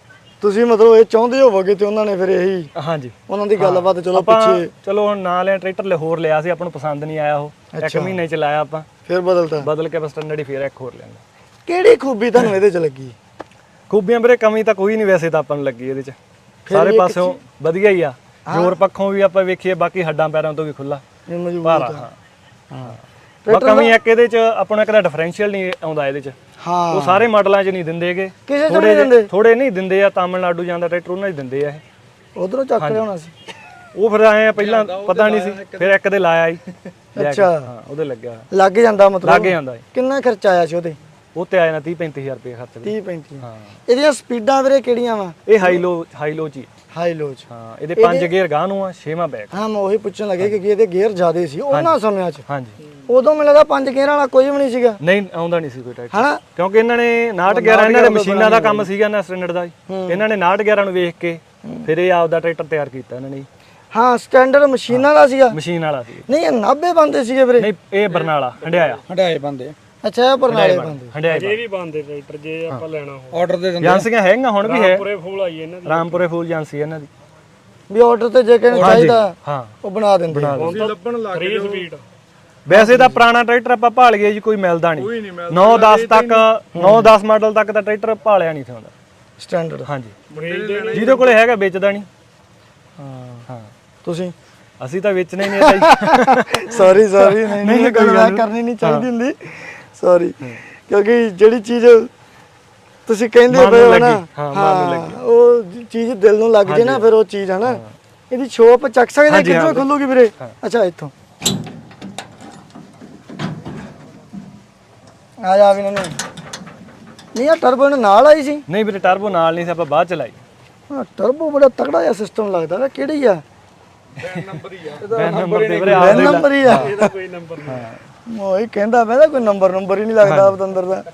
ਤੁਸੀਂ ਮਤਲਬ ਇਹ ਚਾਹੁੰਦੇ ਹੋਵੋਗੇ ਤੇ ਉਹਨਾਂ ਨੇ ਫਿਰ ਇਹੀ
ਹਾਂਜੀ
ਉਹਨਾਂ ਦੀ ਗੱਲਬਾਤ ਚਲੋ
ਆਪਾਂ
ਪਿੱਛੇ
ਚਲੋ ਹੁਣ ਨਾਲ ਲਿਆ ਟਰੈਕਟਰ ਹੋਰ ਲਿਆ ਸੀ, ਆਪਾਂ ਨੂੰ ਪਸੰਦ ਨਹੀਂ ਆਇਆ ਉਹ, ਇੱਕ ਮਹੀਨੇ ਚ ਲਾਇਆ ਆਪਾਂ,
ਫਿਰ ਬਦਲਤਾ।
ਬਦਲ ਕੇ ਬਸ ਸਟੈਂਡਰਡ ਹੀ ਫੇਰ ਇੱਕ ਹੋਰ ਲਿਆਂਦਾ।
ਕਿਹੜੀ ਖੂਬੀ ਤੁਹਾਨੂੰ ਇਹਦੇ ਚ ਲੱਗੀ?
ਖੂਬੀਆਂ ਵੀਰੇ ਕਮੀ ਤਾਂ ਕੋਈ ਨਹੀਂ ਵੈਸੇ ਤਾਂ ਆਪਾਂ ਨੂੰ ਲੱਗੀ ਇਹਦੇ ਚ, ਸਾਰੇ ਪਾਸਿਓਂ ਵਧੀਆ ਹੀ ਆ। ਜ਼ੋਰ ਪੱਖੋਂ ਵੀ ਆਪਾਂ ਵੇਖੀਏ, ਬਾਕੀ ਹੱਡਾਂ ਪੈਰਾਂ ਤੋਂ ਵੀ ਖੁੱਲਾ
ਇਹ ਮਜ਼ਬੂਤ
ਭਾਰਾ। ਹਾਂ ਬਾਕੀ ਕਮੀ ਇੱਕ ਇਹਦੇ ਚ ਆਪਾਂ ਨੂੰ ਇੱਕ ਦਾ ਡਿਫਰੈਂਸ਼ੀਅਲ ਨਹੀਂ ਆਉਂਦਾ ਇਹਦੇ ਚ,
ਹਾਂ
ਉਹ ਸਾਰੇ ਮਾਡਲਾਂ 'ਚ ਨਹੀਂ ਦਿੰਦੇਗੇ,
ਕਿਸੇ ਚ ਨਹੀਂ ਦਿੰਦੇ।
ਥੋੜੇ ਨਹੀਂ ਦਿੰਦੇ ਆ, ਤਾਮਿਲਨਾਡੂ ਜਾਂਦਾ ਟਰੈਕਟਰ ਉਹਨਾਂ 'ਚ ਦਿੰਦੇ ਆ ਇਹ।
ਉਧਰੋਂ ਚੱਕ ਲਿਆਉਣਾ ਸੀ।
ਉਹ ਫਿਰ ਆਏ ਆ ਪਹਿਲਾਂ ਪਤਾ ਨਹੀਂ ਸੀ, ਫਿਰ ਇੱਕ ਦੇ ਲਾਇਆ ਹੀ
ਅੱਛਾ
ਹਾਂ ਉਹਦੇ ਲੱਗਿਆ
ਲੱਗ ਜਾਂਦਾ ਮਤਲਬ
ਲੱਗ ਜਾਂਦਾ
ਕਿੰਨਾ ਖਰਚਾ ਆਇਆ ਸੀ ਉਹਦੇ?
ਉਹ ਤੇ ਆਇਆ ਨਾ 30-35 ਹਜ਼ਾਰ ਰੁਪਏ ਖਰਚ
30 35
ਹਾਂ।
ਇਹਦੀਆਂ ਸਪੀਡਾਂ ਵੀਰੇ ਕਿਹੜੀਆਂ ਵਾ?
ਇਹ ਹਾਈ ਲੋ ਚ ਹੀ।
ਹਾਈ ਲੋ ਚ।
ਹਾਂ ਇਹਦੇ 5 ਗੇਅਰ ਗਾਂ ਨੂੰ ਆ, 6ਵਾਂ ਬੈਕ।
ਹਾਂ ਮੈਂ ਉਹੀ ਪੁੱਛਣ ਲੱਗੇ ਕਿ ਇਹਦੇ ਗੇਅਰ ਜ਼ਿਆਦੇ ਸੀ ਉਹਨਾਂ ਸਮਿਆਂ ਚ।
ਹਾਂਜੀ
ਉਦੋਂ ਮੈਨੂੰ ਲੱਗਦਾ 5 ਗੇਅਰ ਵਾਲਾ ਕੋਈ ਵੀ ਨਹੀਂ ਸੀਗਾ
ਨਹੀਂ ਆਉਂਦਾ ਨਹੀਂ ਸੀ ਕੋਈ ਟਰੈਕਟਰ,
ਹਨਾ?
ਕਿਉਂਕਿ ਇਹਨਾਂ ਨੇ 69 ਇਹਨਾਂ ਦੇ ਮਸ਼ੀਨਾਂ ਦਾ ਕੰਮ ਸੀਗਾ ਨਾ ਸਟੈਂਡਰਡ ਦਾ, ਇਹਨਾਂ ਨੇ 69 ਨੂੰ ਵੇਖ ਕੇ ਫਿਰ ਇਹ ਆਪਦਾ ਟਰੈਕਟਰ ਤਿਆਰ ਕੀਤਾ ਇਹਨਾਂ ਨੇ।
ਹਾਂ ਸਟੈਂਡਰਡ ਮਸ਼ੀਨਾਂ ਦਾ ਸੀਗਾ।
ਮਸ਼ੀਨ ਵਾਲਾ ਸੀ
ਨਹੀਂ ਇਹ 90 ਬੰਦੇ ਸੀਗੇ ਵੀਰੇ।
ਨਹੀਂ ਇਹ ਬਰਨਾਲਾ ਹੰਡਿਆਇਆ
ਹੰਡਾਏ ਬੰਦੇ
ਅੱਛਾ ਇਹ ਬਰਨਾਲੇ ਬੰਦੇ।
ਹੰਡਿਆਇਆ
ਜੇ ਵੀ ਬੰਦੇ ਟਰੈਕਟਰ ਜੇ ਆਪਾਂ ਲੈਣਾ ਹੋ
ਆਰਡਰ ਦੇ ਦਿੰਦੇ
ਏਜੰਸੀਆਂ ਹੈਗੀਆਂ ਹੁਣ ਵੀ ਹੈ,
ਪੂਰੇ ਫੂਲ ਆਈ ਇਹਨਾਂ ਦੀ
ਰਾਮਪੁਰੇ ਫੂਲ ਏਜੰਸੀ ਇਹਨਾਂ ਦੀ।
ਵੀ ਆਰਡਰ ਤੇ ਜੇ ਕਿਹਨੇ ਚਾਹੀਦਾ
ਹਾਂ
ਉਹ ਬਣਾ ਦਿੰਦੇ।
ਲੱਭਣ ਲੱਗ
3 ਸਪੀਡ
ਵੈਸੇ ਤਾਂ ਪੁਰਾਣਾ ਟਰੈਕਟਰ ਆਪਾਂ ਭਾਲ ਗਏ ਜੀ, ਕੋਈ ਮਿਲਦਾ ਨਹੀਂ। 9-10 ਤੱਕ 9-10 ਮਾਡਲ ਤੱਕ ਤਾਂ ਟਰੈਕਟਰ ਭਾਲਿਆ ਨਹੀਂ ਥਾਉਂਦਾ
ਸਟੈਂਡਰਡ।
ਹਾਂਜੀ
ਬ੍ਰੇਕ ਦੇ
ਜਿਹਦੇ ਕੋਲੇ ਹੈਗਾ ਵੇਚਦਾ ਨਹੀਂ। ਹਾਂ
ਤੁਸੀਂ
ਅਸੀਂ ਤਾਂ ਵੇਚਣਾ ਹੀ ਨਹੀਂ ਇਹ
ਸੌਰੀ ਨਹੀਂ ਕੋਈ ਗੱਲ ਕਰਨੀ ਨਹੀਂ ਚਾਹੀਦੀ ਹੁੰਦੀ, ਸੌਰੀ। ਕਿਉਂਕਿ ਜਿਹੜੀ ਚੀਜ਼ ਤੁਸੀਂ ਕਹਿੰਦੇ ਪਏ ਹੋ ਨਾ, ਹਾਂ ਉਹ ਚੀਜ਼ ਦਿਲ ਨੂੰ ਲੱਗ ਜੇ ਨਾ ਫਿਰ ਉਹ ਚੀਜ਼ ਹੈ ਨਾ। ਇਹਦੀ ਸ਼ੋਪ ਚੱਕ ਸਕਦੇ ਕਿੱਥੋਂ ਖੁੱਲੂਗੀ ਵੀਰੇ? ਅੱਛਾ ਇੱਥੋਂ ਆ ਜਾ ਵੀ ਨਹੀਂ ਆ ਟਰਬੋ ਨਾਲ ਆਈ ਸੀ।
ਨਹੀਂ ਵੀਰੇ ਟਰਬੋ ਨਾਲ ਨਹੀਂ ਸੀ, ਆਪਾਂ ਬਾਅਦ ਚ ਲਾਈ।
ਹਾਂ ਟਰਬੋ ਬੜਾ ਤਕੜਾ ਜਿਹਾ ਸਿਸਟਮ ਲੱਗਦਾ ਵਾ। ਕਿਹੜੀ ਆ?
ਨੰਬਰ ਤੇ ਵੀਰੇ
ਬੈਨ ਨੰਬਰ ਹੀ ਆ।
ਇਹਦਾ ਕੋਈ ਨੰਬਰ ਨਹੀਂ।
ਉਹੀ ਕਹਿੰਦਾ ਮੈਂ ਕੋਈ ਨੰਬਰ ਹੀ ਨਹੀਂ ਲੱਗਦਾ ਬਤੰਦਰ ਦਾ।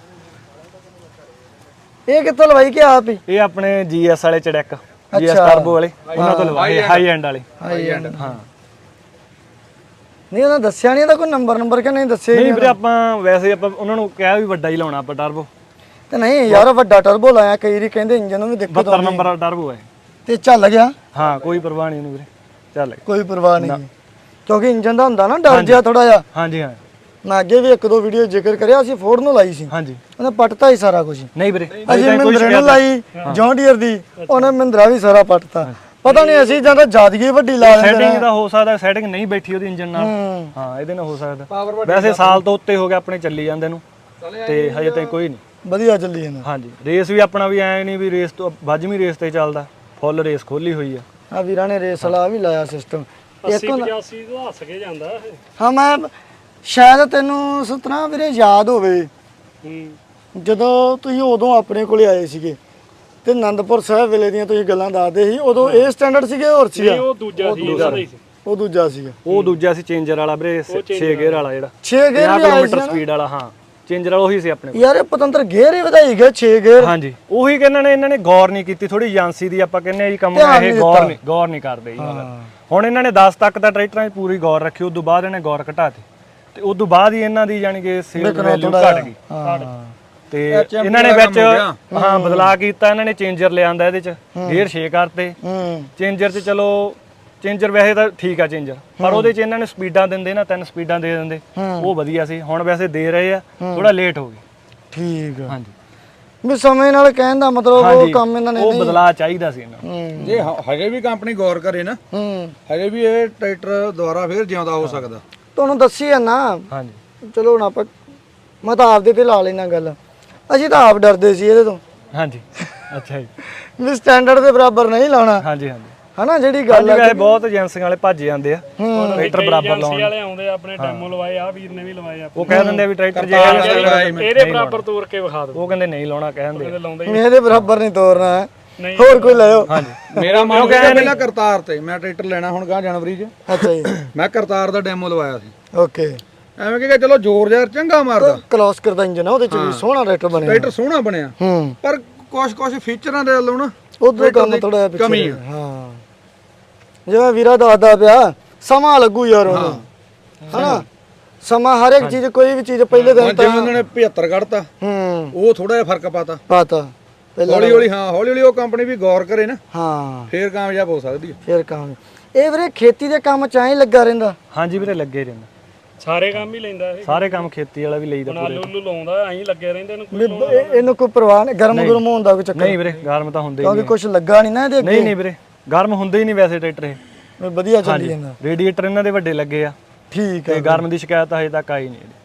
ਇਹ ਕਿੱਥੋਂ ਲਵਾਈ ਕਿ ਆਪ ਹੀ?
ਇਹ ਆਪਣੇ ਜੀਐਸ ਵਾਲੇ ਚੜੈਕ, ਜੀਐਸ ਟਰਬੋ ਵਾਲੇ ਉਹਨਾਂ ਤੋਂ ਲਵਾਏ, ਹਾਈ ਐਂਡ ਵਾਲੇ।
ਹਾਈ ਐਂਡ
ਹਾਂ
ਨਹੀਂ ਉਹਨਾਂ ਦੱਸਿਆ ਨਹੀਂ ਇਹਦਾ ਕੋਈ ਨੰਬਰ ਕਿ ਨਹੀਂ ਦੱਸਿਆ?
ਨਹੀਂ ਵੀਰੇ ਆਪਾਂ ਵੈਸੇ ਆਪਾਂ ਉਹਨਾਂ ਨੂੰ ਕਿਹਾ ਵੀ ਵੱਡਾ ਹੀ ਲਾਉਣਾ ਆਪਾਂ ਟਰਬੋ,
ਤੇ ਨਹੀਂ ਯਾਰ ਵੱਡਾ ਟਰਬੋ ਲਾਇਆ, ਕਈ ਵਾਰੀ ਕਹਿੰਦੇ ਇੰਜਨ ਨੂੰ ਵੀ ਦਿੱਕਤ
72 ਨੰਬਰ ਵਾਲਾ ਟਰਬੋ ਹੈ।
ਤੇ ਚੱਲ ਗਿਆ।
ਹਾਂ ਕੋਈ ਪਰਵਾਹ ਨਹੀਂ ਉਹਨੂੰ ਵੀਰੇ, ਚੱਲ ਗਿਆ।
ਕੋਈ ਪਰਵਾਹ ਨਹੀਂ ਕਿਉਂਕਿ ਇੰਜਨ ਦਾ ਹੁੰਦਾ ਨਾ ਡਰ ਜਿਹਾ ਥੋੜਾ ਜਿਹਾ।
ਹਾਂਜੀ ਹਾਂ
ਮੈਂ ਅੱਗੇ ਵੀ 1-2 ਵੀਡੀਓ ਜ਼ਿਕਰ ਕਰਿਆ, ਅਸੀਂ ਫੋਰਡ ਨੂੰ ਲਾਈ ਸੀ,
ਹਾਂਜੀ।
ਉਹਨੇ ਪੱਟਤਾ ਹੀ ਸਾਰਾ ਕੁਝ।
ਨਹੀਂ ਵੀਰੇ
ਅਸੀਂ ਮਹਿੰਦਰਾ ਨੂੰ ਲਾਈ ਜੌਨ ਡੀਅਰ ਦੀ, ਉਹਨੇ ਮਹਿੰਦਰਾ ਵੀ ਸਾਰਾ ਪੱਟਤਾ। ਪਤਾ ਨਹੀਂ ਅਸੀਂ ਜਾਂ ਤਾਂ ਜ਼ਿਆਦਗੀ ਵੱਡੀ ਲਾ ਲੈਂਦੇ
ਸੈਟਿੰਗ ਦਾ ਹੋ ਸਕਦਾ, ਸੈਟਿੰਗ ਨਹੀਂ ਬੈਠੀ ਉਹਦੀ ਇੰਜਨ ਨਾਲ। ਹਾਂ ਇਹਦੇ ਨਾਲ ਹੋ ਸਕਦਾ। ਵੈਸੇ ਸਾਲ ਤੋਂ ਉੱਤੇ ਹੋ ਗਿਆ ਆਪਣੇ ਚੱਲੀ ਜਾਂਦੇ ਨੂੰ, ਤੇ ਹਜੇ ਤਾਈਂ ਕੋਈ ਨਹੀਂ
ਵਧੀਆ ਚੱਲੀ ਜਾਂਦਾ।
ਹਾਂਜੀ ਰੇਸ ਵੀ ਆਪਣਾ ਵੀ ਐ ਨਹੀਂ ਵੀ ਰੇਸ ਤੋਂ ਵੱਜਵੀਂ ਰੇਸ ਤੇ ਚੱਲਦਾ, ਫੁੱਲ ਰੇਸ ਖੋਲੀ ਹੋਈ ਆ।
ਆ ਵੀਰਾਂ ਨੇ ਰੇਸ ਵਾਲਾ ਵੀ ਲਾਇਆ ਸਿਸਟਮ।
80-85 ਤੋਂ ਹੱਸ ਕੇ ਜਾਂਦਾ ਇਹ।
ਹਾਂ ਮੈਂ ਸ਼ਾਇਦ ਤੈਨੂੰ ਸੁਤਰਾ ਵੀਰੇ ਯਾਦ ਹੋਵੇ ਜਦੋਂ ਤੁਸੀਂ ਉਦੋਂ ਆਪਣੇ ਕੋਲੇ ਆਏ ਸੀਗੇ ਤੇ ਆਨੰਦਪੁਰ ਸਾਹਿਬ ਵੇਲੇ ਦੀਆਂ ਤੁਸੀਂ ਗੱਲਾਂ ਦੱਸਦੇ ਸੀ, ਉਦੋਂ ਇਹ ਸਟੈਂਡਰਡ ਸੀਗੇ ਹੋਰ ਸੀਗਾ?
ਉਹ ਦੂਜਾ ਸੀ ਇਹਦਾ ਹੀ ਸੀ।
ਉਹ ਦੂਜਾ ਸੀਗਾ।
ਉਹ ਦੂਜਾ ਸੀ ਚੇਂਜਰ ਵਾਲਾ ਵੀਰੇ, 6 ਗੇਅਰ ਵਾਲਾ ਜਿਹੜਾ
6 ਗੇਅਰ
50
ਵੀ ਆਏ
ਕਿਲੋਮੀਟਰ
ਸੀ
ਸਪੀਡ ਵਾਲਾ। ਹਾਂ ਚੇਂਜਰ ਵਾਲਾ ਉਹੀ ਸੀ ਆਪਣੇ ਕੋਲ।
ਯਾਰ ਇਹ ਪਤੰਤਰ ਗੇਅਰ ਹੀ ਵਧਾਈ ਗਏ 6 ਗੇਅਰ।
ਹਾਂਜੀ ਉਹੀ ਕਿ ਇਹਨਾਂ ਨੇ ਗੌਰ ਨਹੀਂ ਕੀਤੀ, ਥੋੜੀ ਏਜੰਸੀ ਦੀ ਆਪਾਂ ਕਹਿੰਦੇ ਆ ਜੀ ਕੰਮ
ਧਿਆਨ
ਇਹ
ਨਹੀਂ
ਗੌਰ ਨਹੀਂ ਕਰਦੇ ਜੀ। ਹੁਣ ਇਹਨਾਂ ਨੇ 10 ਤੱਕ ਦਾ ਟਰੈਕਟਰਾਂ 'ਚ ਪੂਰੀ ਗੌਰ ਰੱਖੀ, ਉਦੋਂ ਬਾਅਦ ਇਹਨੇ ਗੌਰ ਘਟਾਤੀ, ਤੇ ਉਦੋਂ ਬਾਅਦ ਹੀ ਇਹਨਾਂ ਦੀ ਯਾਨੀ ਕਿ ਸੇਲ ਵੈਲਿਊ ਘਟ ਗਈ। ਤੇ ਇਹਨਾਂ ਨੇ ਵਿੱਚ ਹਾਂ ਬਦਲਾਅ ਕੀਤਾ, ਇਹਨਾਂ ਨੇ ਚੇਂਜਰ ਲਿਆਂਦਾ ਇਹਦੇ 'ਚ, ਗੇਅਰ 6 ਕਰਤੇ ਚੇਂਜਰ 'ਚ। ਚਲੋ ਚੇਂਜਰ ਵੈਸੇ ਤਾਂ ਠੀਕ ਆ ਚੇਂਜਰ, ਪਰ ਉਹਦੇ 'ਚ ਇਹਨਾਂ ਨੇ ਸਪੀਡਾਂ ਦਿੰਦੇ ਨਾ, 3 ਸਪੀਡਾਂ ਦੇ ਦਿੰਦੇ, ਉਹ ਵਧੀਆ ਸੀ। ਹੁਣ ਵੈਸੇ ਦੇ ਰਹੇ ਆ, ਥੋੜਾ ਲੇਟ ਹੋ ਗਈ।
ਠੀਕ ਆ।
ਹਾਂਜੀ
ਵੀ ਸਮੇਂ ਨਾਲ ਕਹਿਣ ਦਾ ਮਤਲਬ ਉਹ ਕੰਮ ਇਹਨਾਂ ਨੇ
ਉਹ ਬਦਲਾਅ ਚਾਹੀਦਾ ਸੀ ਇਹਨਾਂ ਨੂੰ।
ਜੇ ਹਜੇ ਵੀ ਕੰਪਨੀ ਗੌਰ ਕਰੇ ਨਾ, ਹਜੇ ਵੀ ਇਹ ਟਰੈਕਟਰ ਦੁਬਾਰਾ ਫੇਰ ਜਿਉਂਦਾ ਹੋ ਸਕਦਾ।
ਤੁਹਾਨੂੰ ਦੱਸੀ ਆ ਨਾ।
ਹਾਂਜੀ
ਚਲੋ ਹੁਣ ਆਪਾਂ ਮੈਂ ਤਾਂ ਆਪਦੇ ਤੇ ਲਾ ਲੈਣਾ ਗੱਲ। ਅਸੀਂ ਤਾਂ ਆਪ ਡਰਦੇ ਸੀ ਇਹਦੇ ਤੋਂ।
ਹਾਂਜੀ ਅੱਛਾ ਜੀ।
ਵੀ ਸਟੈਂਡਰਡ ਦੇ ਬਰਾਬਰ ਨਹੀਂ ਲਾਉਣਾ,
ਹਾਂਜੀ ਹਾਂਜੀ
ਹਨਾ ਜਿਹੜੀ ਗੱਲ ਆ।
ਵੈਸੇ ਬਹੁਤ ਏਜੰਸੀਆਂ ਵਾਲੇ ਭੱਜ ਜਾਂਦੇ ਆ ਟਰੈਕਟਰ ਬਰਾਬਰ ਲਾਉਣ।
ਵਾਲੇ ਆਉਂਦੇ ਆ, ਆਪਣੇ ਡੈਮੋ ਲਵਾਏ ਆ ਵੀਰ ਨੇ ਵੀ ਲਵਾਏ ਆ।
ਉਹ ਕਹਿ ਦਿੰਦੇ ਆ ਵੀ ਟਰੈਕਟਰ ਜੇ
ਇਹਦੇ ਬਰਾਬਰ ਤੋਰ ਕੇ ਵਿਖਾ ਦਿਓ।
ਉਹ ਕਹਿੰਦੇ ਨਹੀਂ ਲਾਉਣਾ, ਕਹਿੰਦੇ
ਲਾਉਂਦੇ
ਇਹਦੇ ਬਰਾਬਰ ਨਹੀਂ ਤੋਰਨਾ, ਹੋਰ ਕੋਈ ਲਾਇਓ।
ਹਾਂਜੀ
ਮੇਰਾ ਮਨ ਕਹਿੰਦਾ ਪਹਿਲਾਂ ਕਰਤਾਰ ਤੇ ਮੈਂ ਟਰੈਕਟਰ ਲੈਣਾ ਹੁਣ ਗਾਂ ਜਨਵਰੀ 'ਚ।
ਅੱਛਾ ਜੀ
ਮੈਂ ਕਰਤਾਰ ਦਾ ਡੈਮੋ ਲਵਾਇਆ ਸੀ।
ਓਕੇ।
ਐਵੇਂ ਕਿ ਚਲੋ ਜ਼ੋਰ ਜ਼ਾਰ ਚੰਗਾ ਮਾਰਦਾ,
ਕਲੋਸ ਕਰਦਾ ਇੰਜਨ ਆ, ਉਹਦੇ ਚ ਵੀ ਸੋਹਣਾ ਟਰੈਕਟਰ ਬਣਿਆ।
ਟਰੈਕਟਰ ਸੋਹਣਾ ਬਣਿਆ, ਪਰ ਕੁਝ ਫੀਚਰਾਂ ਦੇ ਵੱਲੋਂ ਨਾ
ਉਧਰ ਕੰਮ ਥੋੜਾ ਜਿਹਾ ਪਿੱਛੇ
ਕਮੀ ਆ।
ਹਾਂ ਜਿਵੇਂ ਵੀਰਾ ਦੱਸਦਾ ਪਿਆ, ਸਮਾਂ ਲੱਗੂ ਯਾਰ ਉਹਨੂੰ, ਹਨਾ ਸਮਾਂ ਹਰ ਇੱਕ ਚੀਜ਼, ਕੋਈ ਵੀ ਚੀਜ਼ ਪਹਿਲੇ ਦਿਨ
ਜਿਵੇਂ ਉਹਨਾਂ ਨੇ 75 ਕੱਢਤਾ, ਉਹ ਥੋੜਾ ਜਿਹਾ ਫਰਕ ਪਾਤਾ। ਹੌਲੀ ਹੌਲੀ ਹੌਲੀ ਹੌਲੀ ਉਹ ਕੰਪਨੀ ਵੀ ਗੌਰ ਕਰੇ ਨਾ,
ਹਾਂ
ਫੇਰ ਕਾਮਯਾਬ ਹੋ ਸਕਦੀ ਹੈ।
ਫਿਰ ਕੰਮ ਇਹ ਵੀਰੇ ਖੇਤੀ ਦੇ ਕੰਮ ਚ ਐਂ ਲੱਗਾ ਰਹਿੰਦਾ।
ਹਾਂਜੀ ਵੀਰੇ ਲੱਗੇ ਰਹਿੰਦਾ,
ਸਾਰੇ ਕੰਮ ਹੀ ਲੈਂਦਾ ਇਹ।
ਸਾਰੇ ਕੰਮ ਖੇਤੀ ਵਾਲਾ ਵੀ ਲਈਦਾ
ਹੁਣ
ਪੂਰੇ।
ਆਲੂ ਲਾਉਂਦਾ ਐਂ ਲੱਗੇ ਰਹਿੰਦੇ ਨੇ,
ਵੀ ਇਹਨੂੰ ਕੋਈ ਪਰਵਾਹ ਨਹੀਂ, ਗਰਮ ਹੋਣ ਦਾ ਕੋਈ ਚੱਕਰ
ਨਹੀਂ ਵੀਰੇ ਗਰਮ ਤਾਂ ਹੁੰਦੇ ਹੀ
ਕਿਉਂਕਿ ਕੁਝ ਲੱਗਾ ਨਹੀਂ ਨਾ ਇਹਦੇ ਅੱਗੇ।
ਨਹੀਂ ਵੀਰੇ ਗਰਮ ਹੁੰਦੇ ਹੀ ਨਹੀਂ ਵੈਸੇ ਟਰੈਕਟਰ ਇਹ।
ਵੀ ਵਧੀਆ ਚੱਲੀ ਜਾਂਦਾ।
ਰੇਡੀਏਟਰ ਇਹਨਾਂ ਦੇ ਵੱਡੇ ਲੱਗੇ ਆ
ਠੀਕ
ਤੇ
ਹੈ
ਗਰਮ ਦੀ ਸ਼ਿਕਾਇਤ ਹਜੇ ਤੱਕ ਆਈ ਨਹੀਂ ਇਹਦੀ।